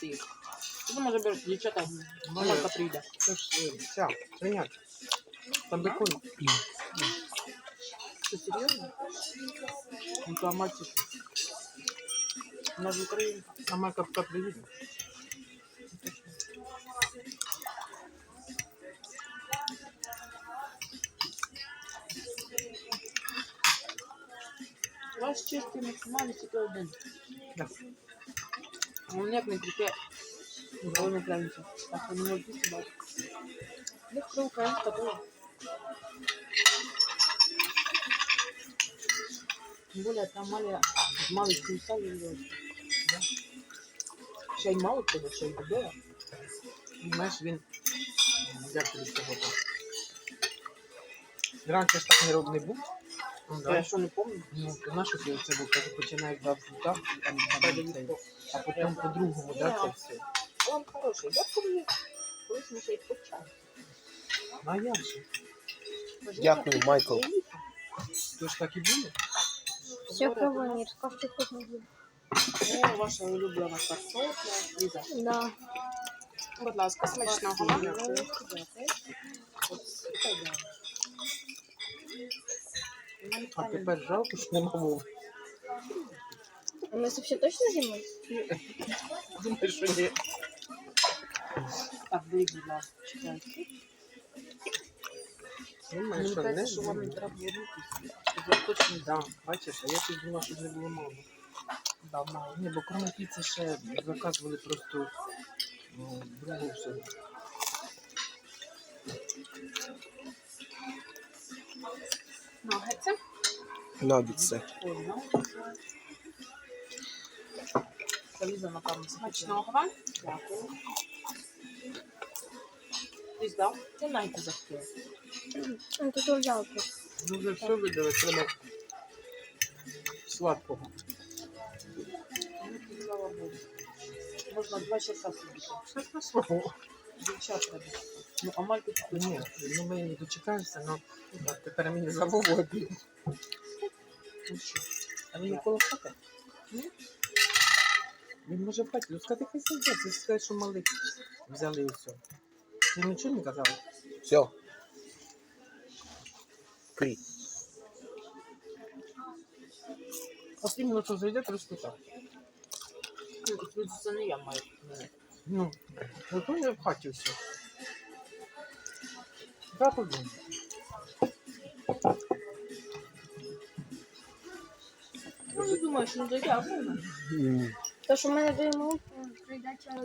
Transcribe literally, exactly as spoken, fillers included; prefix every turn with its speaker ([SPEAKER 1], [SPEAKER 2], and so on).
[SPEAKER 1] забирати їх. Ти може бери, дівчата, Марка прийде.
[SPEAKER 2] Це ж е, ця, свиняча. Там бекон.
[SPEAKER 1] Що, серйозно? Ну, то Амальці що? Вона ж українка.
[SPEAKER 2] А Марка поки приїде.
[SPEAKER 1] Ваш чистий максимально тільки один.
[SPEAKER 2] Да.
[SPEAKER 1] Ну, ніяк не кріпе. Головне українця. Так, що не можуть їсти бачити. Ну, хто українська, то. Тим більше, там мали, мали кільця і льошки. Ще й мало того, ще й добила.
[SPEAKER 2] Знаєш, він, як тобі сказати, раніше ж так не роб не був. Ну,
[SPEAKER 1] Я що не пам'ятаю.
[SPEAKER 2] Ну, ти знаєш, що це був, кажу, починає два так, там, там, цей, а потім по-другому, да, це все.
[SPEAKER 1] Он хороший. Я помню, колись ми ще й почали.
[SPEAKER 2] Ну, а як же?
[SPEAKER 3] Дякую, Майкл.
[SPEAKER 2] То ж так і було?
[SPEAKER 4] Все пробуем, Мирка, что вкусно будет.
[SPEAKER 1] О, ваша улюблена картопля. Ліза.
[SPEAKER 4] Да.
[SPEAKER 1] Будь ласка, смачного вам. Дякую. От, супер, да.
[SPEAKER 2] А тепер жалко, що нема мови.
[SPEAKER 4] У нас вообще точно зимой?
[SPEAKER 2] Думаєш, що ні?
[SPEAKER 1] Так, беріть, будь ласка, чекайте.
[SPEAKER 2] Думаєш,
[SPEAKER 1] Мені
[SPEAKER 2] що
[SPEAKER 1] кажеться,
[SPEAKER 2] не?
[SPEAKER 1] що вам не треба було рухатися. Я точно
[SPEAKER 2] Да, бачиш, а я тут думав, що не було мало.
[SPEAKER 1] дав мало.
[SPEAKER 2] Ні, бо крім піци ще заказували просто ну, другу все.
[SPEAKER 1] Нагетси.
[SPEAKER 3] Наггетси.
[SPEAKER 1] Понял. Заліза, напевно, смачного вам. Дякую. Ти здав? Ти найти захотів.
[SPEAKER 4] Он тут взял.
[SPEAKER 2] Ну вже все видали, треба сладкого.
[SPEAKER 1] Ну, слава Богу. Можна два часа сидіти.
[SPEAKER 2] Все смачного.
[SPEAKER 1] Дівчат треба. Ну, а мальку тут
[SPEAKER 2] Ні, ну ми не дочекаємося, але тепер мені за Вовою.
[SPEAKER 1] Ну що?
[SPEAKER 2] А він коло хати?
[SPEAKER 1] Ні?
[SPEAKER 2] Він може в хаті. Ну сказати, хай сидять, це сказати, що малих взяли і все. Ти нічого не казав?
[SPEAKER 3] Все. Крі.
[SPEAKER 2] От іменно, що зайде, трошки так.
[SPEAKER 1] Ну, це не я маю.
[SPEAKER 2] Ну, зато не в хаті все. Да, подумай.
[SPEAKER 1] Ну, не думаю, що не зайде, а вона.
[SPEAKER 4] То, что мы надаем, придать